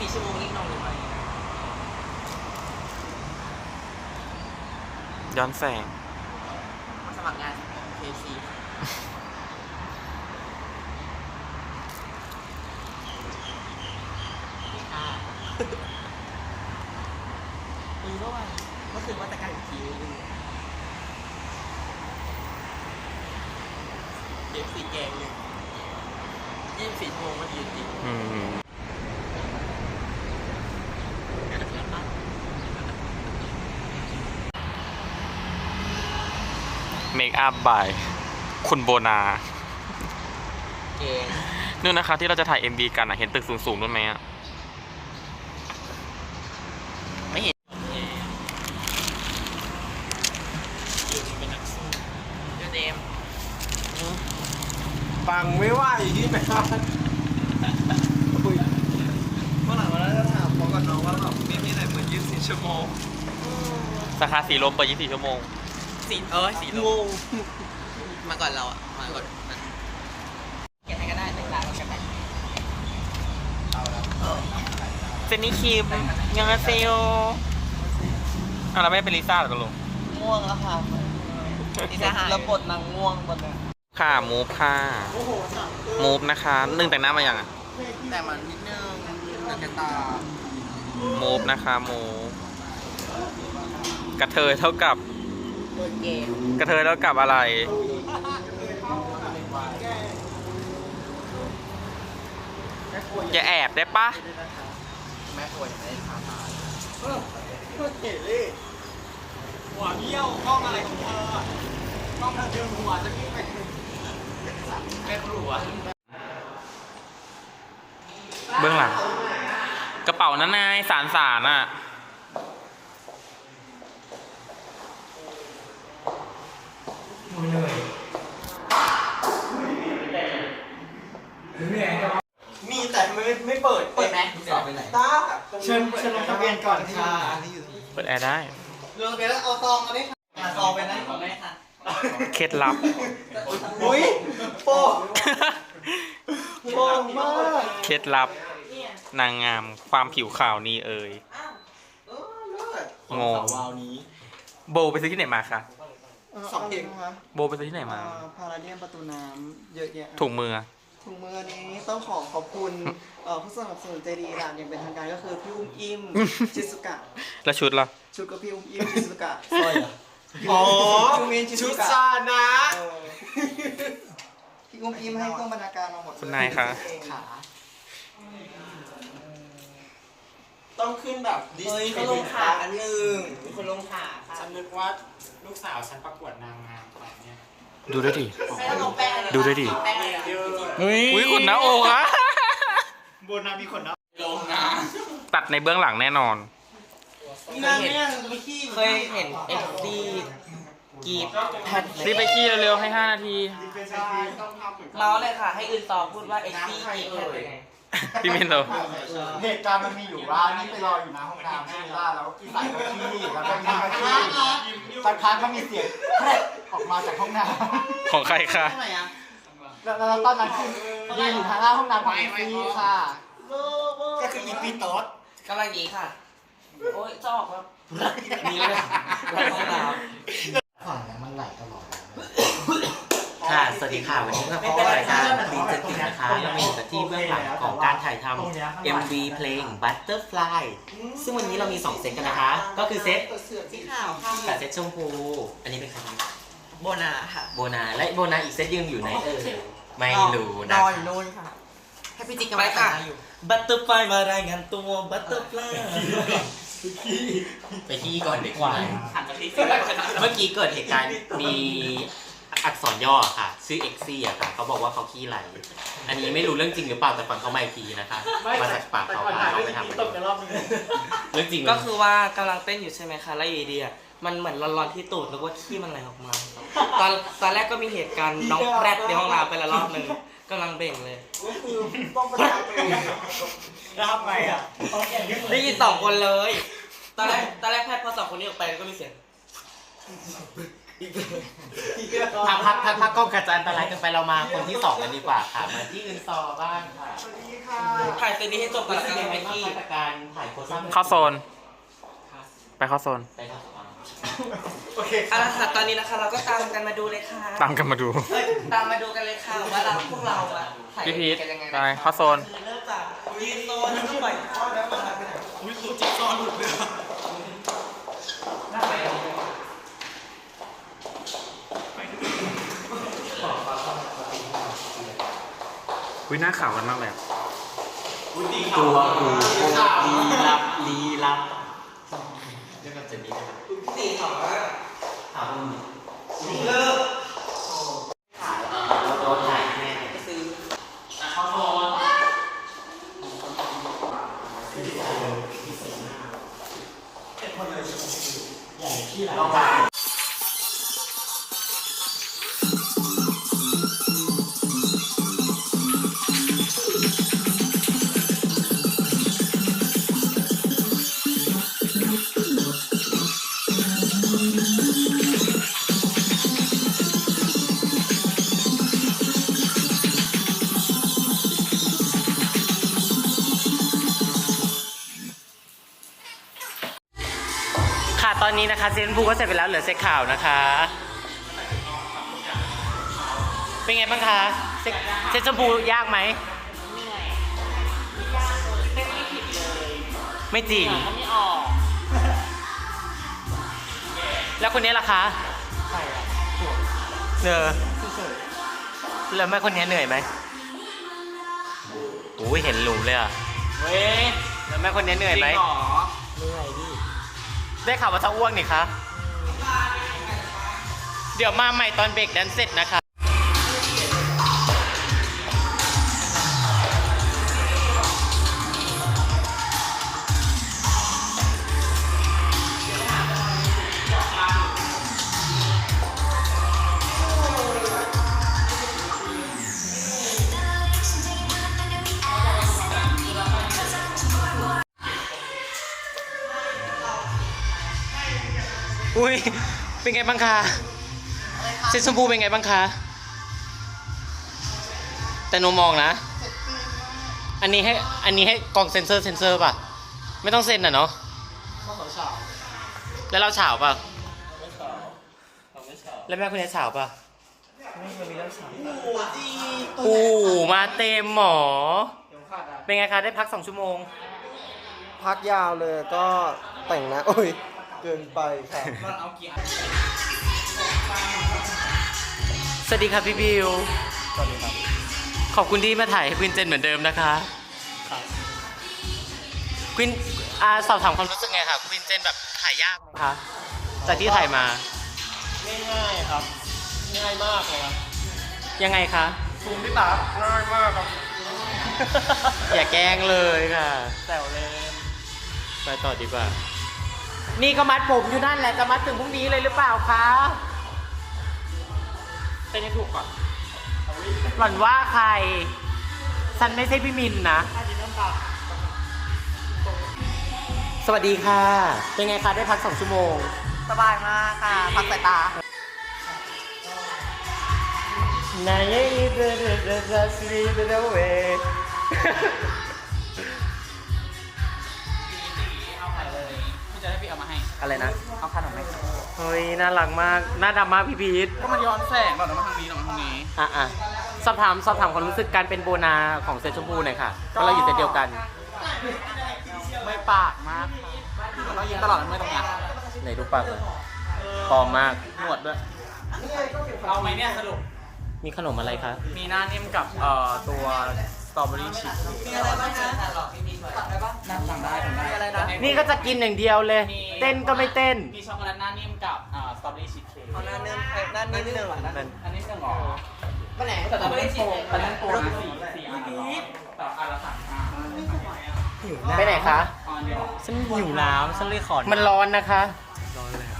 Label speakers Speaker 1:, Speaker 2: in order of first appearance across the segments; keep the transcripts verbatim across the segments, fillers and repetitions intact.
Speaker 1: สี่ชั่วโมงรีบนอนเลยไหม
Speaker 2: ย้อนแสง
Speaker 1: มาสมัครงาน เค เอฟ ซี ค่ะมีเมื่อวานเมื่อคืนว่าจะการอีกทีนึง เค เอฟ ซี แกงหนึ่งยี่สิบสี่ชั่วโมงมันดีจริง
Speaker 2: อืมเมคอัพบายคุณโบนา
Speaker 1: เกง
Speaker 2: นู่นนะคะที่เราจะถ่าย เอ็ม วี กันอ่ะเห็นตึกสูงๆนู่นไหมอ่ะ
Speaker 1: ไม่เห็นอยู่จริงเป็นนักสู้เดี๋ยวเดม
Speaker 3: ฟังไม่ว่าอีกที่ไหมครับเมื่อหลังวันนั้นจะถามพอกับน้องว่าแบบไม่มีอะไรเหมือนยี่สิบสี่ชั่วโมง
Speaker 2: สาขาสีลมเปิดยี่สิบสี่ชั่วโมง
Speaker 1: สีเออสีลมมาก่อนเราอ่ะมาก่อนแกให้ก็ได้หนึ่งล้านกันได้
Speaker 2: เจนนี่คิมยังไงเซลอ่ะเราไม่เป็นลิซ่าหรอกลุง
Speaker 1: ง่วงแล้วค่ะลิซ่าหายแล้วบทนางง่วงบทเนี่ย
Speaker 2: ค่ะมูฟค่ะมูฟนะคะนึ่งแต่งหน้ามายังอ่ะ
Speaker 1: แต่มันนิดนึงแต่กระตา
Speaker 2: มูฟนะคะมูฟกระเทยเท่ากับ
Speaker 1: เปิดเกม
Speaker 2: กระเทยเท่ากับอะไรอย่าแอบได้ปะ
Speaker 1: แม่ป่วยไม่ได้ทำมา
Speaker 3: เออเพื่อเก๋เลยหัวเบี้ยวกล้องอะไรของเธอกล้องเธอเดียวหัวจะกิ้งไปแม่ครัว
Speaker 2: เบื้องหลังกระเป๋านั้นนายสารสารอ่ะ
Speaker 3: มีแต่ไม่ไม่เปิด
Speaker 1: เปิดไหมสอบไปไหน
Speaker 3: ตาเชิญเชิญลงทะเบียนก่อนค่ะ
Speaker 2: เปิดแอร์ได้
Speaker 3: ลงทะเบียนแล้วเอาซองมาดิค่ะซองไปนะ
Speaker 1: ไม่ค่ะ
Speaker 2: เคล็ดลับ
Speaker 3: อุ้ยโป่งโป่งมาก
Speaker 2: เคล็ดลับนางงามความผิวขาวนี้เอ่ย
Speaker 3: เออเลิศ
Speaker 2: งง
Speaker 3: วาวนี้
Speaker 2: โบไปซื้อที่ไหนมาคะ
Speaker 3: สองเพลง
Speaker 2: โบไปซื้อที่ไหนมา
Speaker 3: พาราเดียมประตูน้ำเยอะแยะ
Speaker 2: ถุงมือ
Speaker 3: ถุงมือนี้ต้องขอขอบคุณเอ่อผู้สนับสนุนใจดีร้านอย่างเป็นทางการก็คือพี่อุ้มอิ่มชิซุกะ
Speaker 2: แล้วชุดล่ะ
Speaker 3: ชุดก็พี่อุ้มอิ่มชิซุกะสร้อยเหรออ๋อชุดซานะพี่อุ้มอิ่มให้เครื่องบรรณาการมาหมด
Speaker 2: คุณนายคะ
Speaker 3: ขาต้องขึ้นแบบดิส
Speaker 1: เฮ้ยเขาลงขาอันหนึ่งมีคนลงขาค่ะ
Speaker 4: ฉันนึกว่าลูกสาวฉันประกวดนางงามแบบเนี้ย
Speaker 2: ดูด้วยดิ
Speaker 1: ไม่ต้องลงแป้งเลย
Speaker 2: ดูด้วยดิ
Speaker 1: แป้งเลยอะ
Speaker 2: อุ้ยขุนหน้าอกอะ
Speaker 4: บนนามีคนนะ
Speaker 1: ลงนะ
Speaker 2: ตัดในเบื้องหลังแน่นอน
Speaker 3: นางเนี่ยไม่ขี้
Speaker 1: เคยเห็นเอ็กซี่กีบแพท
Speaker 2: รีบไปขี้เร็วๆให้ห้านาที
Speaker 4: เป็นชายต้องทำเหมือนกัน
Speaker 1: เมาส์เลยค่ะ ให้อื่นต่อพูดว่าเอ็กซี่กีบแพทเป็นไง
Speaker 2: พี่มินโต
Speaker 4: เหตุการณ์มันมีอยู่ว่านี่ไปรออยู่หน้าห้องน้ำใช่ไหมล่ะแล้วอีใส่กระขี้แล้วก็มีกระขี้สักพักก็มีเสียงแพร่ออกมาจากห้องน้ำ
Speaker 2: ของใครคะ
Speaker 4: แล้วแล้วตอนนั้นคือยืนอยู่ทางหน้าห้องน้ำของอีซี่ค่ะ ก็คืออีปีโต๊ด
Speaker 1: กำลังดีค่ะ โอ้ยจะออกว่ามีเลยไปห้องน้ำ
Speaker 4: ฝั่งนี้มันไหลตลอด
Speaker 5: ค่ะ สวัสดีค่ะ วันนี้ก็พบกับรายการบีเจตินะคะเรามาอยู่กันที่เบื้องหลังของการถ่ายทำ เอ็ม วี เพลง Butterfly ซึ่งวันนี้เรามีสองเซตกันนะคะ ก็คือเซต
Speaker 1: สีขาวค่ะ
Speaker 5: กับเซตชมพู อันนี้เป็นใคร
Speaker 1: โบนาค่ะ
Speaker 5: โบนา และโบนาอีกเซตยังอยู่ไหนเออไม่รู้
Speaker 1: น
Speaker 5: นะ
Speaker 1: อนอยู่นู่นค่ะ ให้พี่จิ๊กกำลังแต่งหน้าอยู่
Speaker 5: Butterfly มารายงานตัว Butterfly ไปที่ก่อนเด็กวาย
Speaker 1: หันมาที่
Speaker 5: เมื่อกี้เกิดเหตุการณ์มีอักษรย่อค่ะชื่อเอ็กซี่อะค่ะเขาบอกว่าเขาขี้ไหลอันนี้ไม่รู้เรื่องจริงหรือเปล่าแต่ฟังเขามาอีกทีนะคะมาจากปากเขาพาเขาไปทำเรื่องจริง
Speaker 1: ก็คือว่ากำลังเต้นอยู่ใช่ไหมคะ แล้วอยู่ดีๆอ่ะมันเหมือนร้อนๆที่ตูดนึกว่าขี้มันไหลออกมา ตอนตอนแรกก็มีเหตุการณ์น้องแรดในห้องน้ำไปละรอบหนึ่งกำลังเบ่งเลย
Speaker 3: ต้องประจานตัวเอง
Speaker 4: แล้วทำไงอ่ะ
Speaker 1: ได้ยินสองคนเลย ตอนแรกตอนแรกแพทย์พอสองคนนี้ออกไปก็มีเสียง
Speaker 5: พักพักพักพักกล้องกระจายอันตรายกันไปเรามาคนที่สองกันดีกว่าค่ะ มาที่อื่นต่อบ้างค่ะ
Speaker 4: สวัสดีค่ะ
Speaker 1: ถ่ายเซตนี้ให้จบก่อน
Speaker 5: รู้
Speaker 1: แล้ว
Speaker 5: สึก
Speaker 1: กัน
Speaker 5: ยังไง
Speaker 1: ไม
Speaker 5: บ้าง
Speaker 1: กี้
Speaker 5: คะกับการถ่ายโฆษณา
Speaker 2: เข้าโซน ไปเข้าโซน
Speaker 5: ไปเข้าโซน
Speaker 4: โอเค
Speaker 1: เอาละค่ะตอนนี้นะคะเราก็ตามกันมาดูเลยค่ะ
Speaker 2: ตามกันมาดู
Speaker 1: เอ้ยตามมาดูกันเลยค่ะว่าเราพวกเราอะถ่าย
Speaker 2: พี่พีท
Speaker 1: กันยังไง
Speaker 2: ไป
Speaker 1: นะ
Speaker 2: เข้าโซน
Speaker 1: คือเริ่มจากยืนโซนแล้วก็ปล่อยข้อแล้วมาไปไหน
Speaker 3: อุ้ยตัวจิ๊กซอว์หลุดเลยอะ
Speaker 2: วิหน้าขาวกันมากเลยอะ
Speaker 5: ตัวกูลีลับลีลับเรื่องกับเจนนี่นะครับ
Speaker 1: สี่ถอดว่า
Speaker 5: ถามมึง
Speaker 1: เลิก
Speaker 5: โดนถ่ายแน่
Speaker 1: ซื้อ
Speaker 5: เข้าโซน ค่ะตอนนี้นะคะเซนบูก็เสร็จไปแล้วเหลือเซตข่าวนะคะ เป็นไงบ้างคะเซตเซตชมพูยากไหมไม่จริงแล้วคนนี้ล่ะคะเนอแล้วแม่คนนี้เหนื่อยไหมโอ้ยเห็นหลุมเลยอ่ะ
Speaker 2: เว้ย
Speaker 5: แล้วแม่คนนี้เหนื่อยไหม
Speaker 2: จริงเหรอ
Speaker 5: ได้ข่าวว่าจะอ้วกนี่คะ เดี๋ยวมาใหม่ตอนเบรกแดนเสร็จนะคะ อุ้ย เป็นไงบ้างคะเซตชมพูเป็นไงบ้างคะ แต่โนมองนะ อันนี้ให้ อันนี้ให้กล่องเซนเซอร์เซนเซอร์ป่ะ ไม่ต้องเซ็นอ่ะเนาะแล้วเราเฉาป่ะ แล้วแม่คุณเนี่ยเฉาป่ะโอ้มาเต็มหมอ เป็นไงคะ ได้พักสองชั่วโมง
Speaker 4: พักยาวเลยก็แต่งหนะโอ้ย เกินไปค่ะ
Speaker 5: สวัสดีครับพี่บิว
Speaker 4: สวัสดีครับ
Speaker 5: ขอบคุณที่มาถ่ายให้ควินเจนเหมือนเดิมนะคะควินอาสอบถามความรู้สึกไงคะควินเจนแบบถ่ายยากไหมคะจากที่ถ่ายมา
Speaker 4: ง่ายๆครับ ง่ายมากเลยครับ
Speaker 5: ยังไงคะ
Speaker 4: ซูมที่ตาง่ายมากครับ
Speaker 5: อย่าแกล้งเลยค่ะ
Speaker 4: แซวเล่น
Speaker 5: ไปต่อดีกว่า นี่ก็มัดผมอยู่นั่นแหละจะมัดถึงพรุ่งนี้เลยหรือเปล่าคะเป็นให้ถูกก่อนหล่อนว่าใครฉันไม่ใช่พี่มินนะ สวัสดีค่ะ เป็นไงคะได้พักสองชั่วโมง
Speaker 1: สบายมากค่ะ พักสายตา
Speaker 5: นายยี่เดเดเดเดสลีเดเดเว
Speaker 2: พี่จะให้พี่เอามาให้
Speaker 5: อะไรนะ
Speaker 2: เอาขนมไหม
Speaker 5: เฮ้ย น่ารักมาก น่าดำมากพี่พีท
Speaker 2: ก็มันย้อนแสงหรอกมาทางนี้หรอกมาทางนี้
Speaker 5: อ่ะอ่ะสอบถามสอบถามความรู้สึกการเป็นโบนาของเซตชมพูหน่อยค่ะเพราะเราอยู่เซตเดียวกัน
Speaker 2: ไม่ปากมากเรายิ้มตลอดเลยไม่ตรงนี้
Speaker 5: ไหนดูปากเลยปลอมมาก
Speaker 2: หนวดด้วย เอาไหมเนี่ยสรุป
Speaker 5: มีขนมอะไรคะ
Speaker 2: มีหน้านิ่มกับเอ่อตัวสตรอเบอรี่ชีส
Speaker 1: มีอะไรบ้างนะหลอกพี่มีสั่งได้ปะ
Speaker 2: นั่งสั่งได้สั่งได้
Speaker 1: มีอะไรนะ
Speaker 5: นี่ก็จะกินอย่างเดียวเลย เต้นก็ไม่เต้น
Speaker 2: มีช็อกโกแลตหน้านิ่มกับอ่าสตรอเบอรี่ชีสเค้ก
Speaker 1: เอาหน้าเนื้อหน้านิ่มหนึ่ง
Speaker 2: อันนี้หนึ่งหรอ
Speaker 1: ไปไหน
Speaker 2: แต่ตอนนี้โตตอนนี้โตนะสี่สี่อันละแต่อันละสามห้า
Speaker 5: ไปไหนคะ
Speaker 2: อันเดียว
Speaker 5: ฉันหิวน้ำฉันเลยขอมันร้อนนะคะ
Speaker 2: ร้อนเลยอ่ะ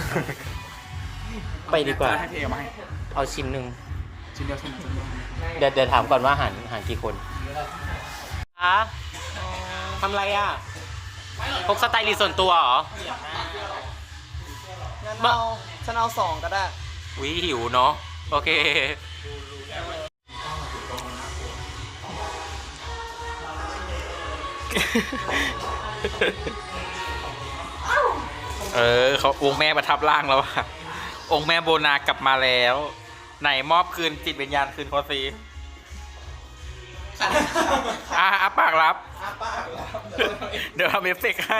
Speaker 5: ไปดีกว่า
Speaker 2: ให้พี่เอามาให้
Speaker 5: เอาชิ้นหนึ่ง
Speaker 2: ชิ้นเดียวชิ้นเดียวชิ้นเดียว
Speaker 5: เดี๋ยวเดี๋ยวถามก่อนว่าหารหารกี่คนคะทำอะไรอ่ะพกสไตลิสต์ส่วนตัวเหรอ
Speaker 1: งั้นเอา
Speaker 3: ฉันเอาสองก็ได้
Speaker 2: วิหิวเนาะโอเค เออเขาองค์แม่ประทับร่างแล้วอะองค์แม่โบนากลับมาแล้ว ไหนมอบคืนจิตวิญญาณคืนเขาสิอ่ะอ่ะปากรับ เดี๋ยวทำเอฟเฟกต์ให้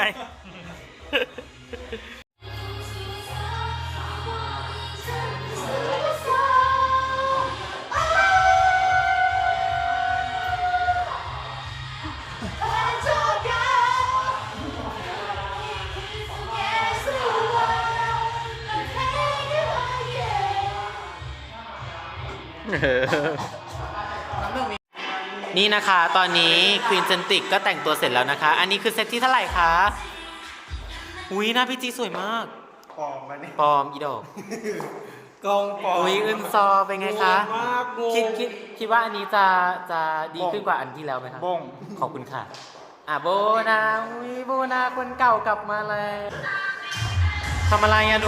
Speaker 5: นี่นะคะ ตอนนี้ควีนเซนติกก็แต่งตัวเสร็จแล้วนะคะ อันนี้คือเซตที่เท่าไหร่คะอุ้ยหน้าพี่จีสวยมาก
Speaker 4: ปลอมไปเนี่ย
Speaker 5: ปลอมอีดอก
Speaker 3: กองปอ
Speaker 5: อุ้ยอึนซอเป็นไงคะ
Speaker 3: มากงง
Speaker 5: คิดคิดคิดว่าอันนี้จะจะดีขึ้นกว่าอันที่แล้วไหมคะ
Speaker 4: บ้ง
Speaker 5: ขอบคุณค่ะ อ่ะโบนาอุ้ยโบนาคนเก่ากลับมาแล้วทำอะไรอะหนู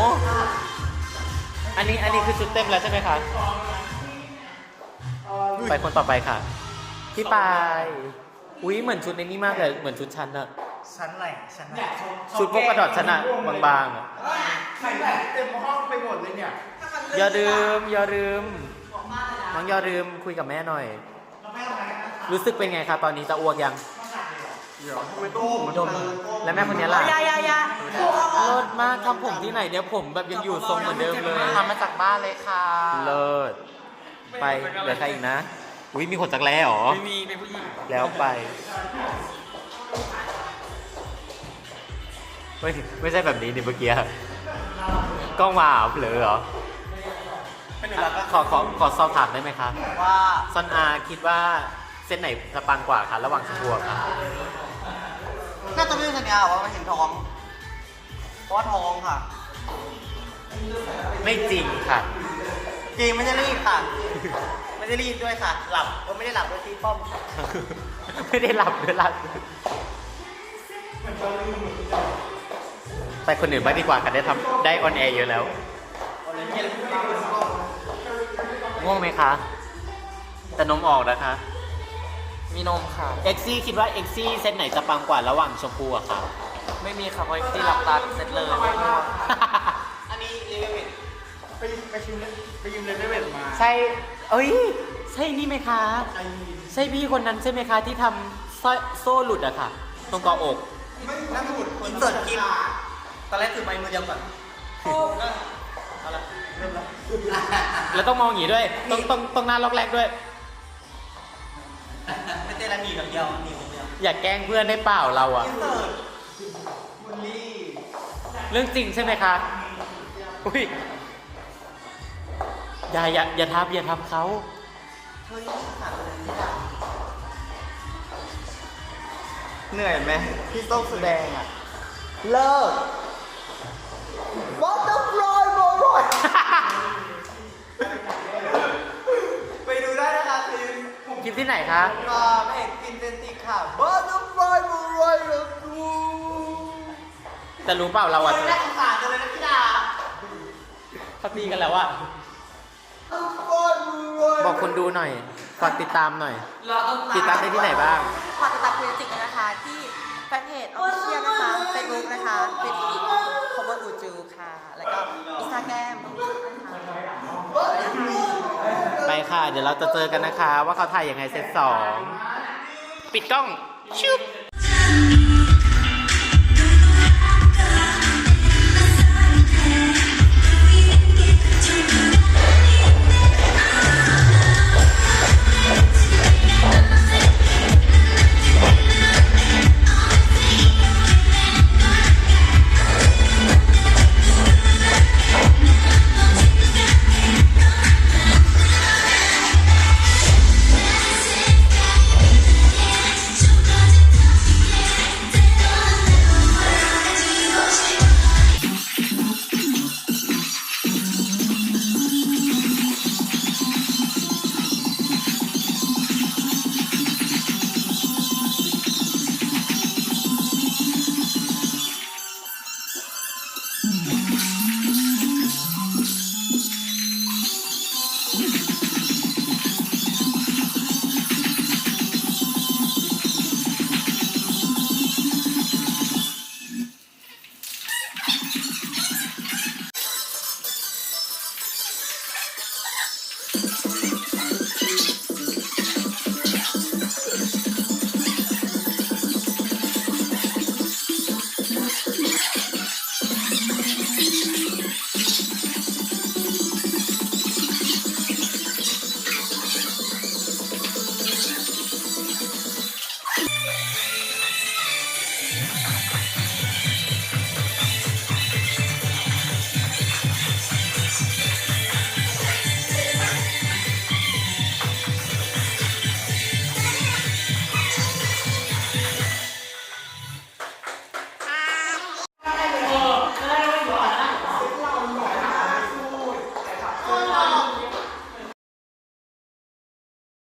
Speaker 5: อันนี้อันนี้คือชุดเต็มแล้วใช่ไหมคะ ไปคนต่อไปค่ะ พี่ปาย อุ้ยเหมือนชุดในนี้มากเลย เหมือนชุดฉันอะ
Speaker 4: ชั้นอะไรชั้นไหน
Speaker 5: ชุดพวกกระดอดฉันอะบางๆอะ
Speaker 4: ใส่แบบเต็มห้องไปหมดเลยเนี่ย
Speaker 5: อย่าลืมอย่าลืมน้องอย่าลืมคุยกับแม่หน่อย รู้สึกเป็นไงคะตอนนี้จะอ้วกยัง
Speaker 4: เดี๋ยวทำไมตู้มัน
Speaker 5: ดมและแม่คนนี้ล่ะ
Speaker 3: ยายายา
Speaker 5: เลิศมากทำผมที่ไหนเนี่ยผมแบบยังอยู่ทรงเหมือนเดิมเลย
Speaker 4: ทำมาจากบ้านเลยค่ะ
Speaker 5: เลิศไปเหลือใครอีกนะ อุ้ยมีขนจักรแล้หรอ
Speaker 2: ไม่มีเป็นผู้หญิง
Speaker 5: แล้วไปไม่ไม่ใช่แบบนี้นี่เมื่อกี้กล้องมาเหรอเผลอเหรอขอขอขอสอบถามได้ไหมคะ
Speaker 3: ว่า
Speaker 5: ซอนอาคิดว่าเส้นไหนจะปังกว่าคะระหว่างชมพูค่ะ
Speaker 3: น่าจะไม่ใช่สัญญาว่ามันเห็นท้อง เพราะว่าท้องค่ะ
Speaker 5: ไม่จริงค่ะ
Speaker 3: จริงไม่ใช่รีดค่ะ ไม่ได้รีดด้วยค่ะ หลับก็ไม่ได้หลับด้วยตีป้อม
Speaker 5: ไม่ได้หลับด้วยหลับไปคนอื่นบ้างดีกว่าค่ะได้ทำได้ออนแอร์เยอะแล้วง่วงไหมคะ แต่นมออกนะคะ
Speaker 2: มีนมค่ะ
Speaker 5: เอ็กซี่คิดว่าเอ็กซี่เซตไหนจะปังกว่าระหว่างชมพูอะค่ะ
Speaker 2: ไม่มีค่ะเพราะที่หลับตาเสร็จเลย
Speaker 3: อันนี้เลเวล
Speaker 4: ไปไปชิมเลยไปยืมเลเวลมา
Speaker 5: ใช่ เอ้ย ใช่นี่ไหมคะ ใช่พี่คนนั้นใช่ไหมคะที่ทำสร้อยโซ่หลุดอะค่ะ ตรงกออก
Speaker 3: นั่งสมุดอินเสิร์ตคลิปตอนแรกถือไม้มือเดียวก่อนเอาละเริ่มแล้ว
Speaker 5: แล้วต้องมองอย่างนี้ด้วย ต้องต้องต้องหน้าล็อกแรกด้วย
Speaker 3: ไม่เต้นแล้วหนีแบบเดียวหนีแบบเดียว
Speaker 5: อย่าแกล้งเพื่อนได้เปล่าเราอะ
Speaker 3: อินเสิร์ตบุลลี่
Speaker 5: เรื่องจริงใช่ไหมคะ อุ้ย อย่าอย่าอย่าทับอย่าทับเขา
Speaker 3: เธอนี่ขาดอะไรไม่ได้
Speaker 4: เหนื่อยไหมที่ต้องแสดงอ่ะ
Speaker 3: เลิก What the fly บอลอยไปดูได้นะคะคือ
Speaker 5: คลิปที่ไหนคะ
Speaker 3: รอพระเอกกินเซนติค่ะ Butterfly บอลอยเลยดู
Speaker 5: แต่รู้เปล่าเราอะ
Speaker 3: ไม่ได้สงสารกันเลยนะพี่ดา
Speaker 5: พักดีกันแล้วอะ
Speaker 3: Butterfly
Speaker 5: บอกคนดูหน่อย ฝากติดตามหน่อย ติดตามได้ที่ไหนบ้าง
Speaker 6: ฝากติดตามเพจจิกนะคะ ที่แฟนเพจออฟฟิเชียลนะคะเฟซบุ๊กนะคะเป็นอีกคอมเมอร์อูจูค่ะ แล้วก็อินสตาแกรมนะคะ
Speaker 5: ไปค่ะ เดี๋ยวเราจะเจอกันนะคะ ว่าเขาถ่ายยังไงเซตสองปิดกล้อง ชุบ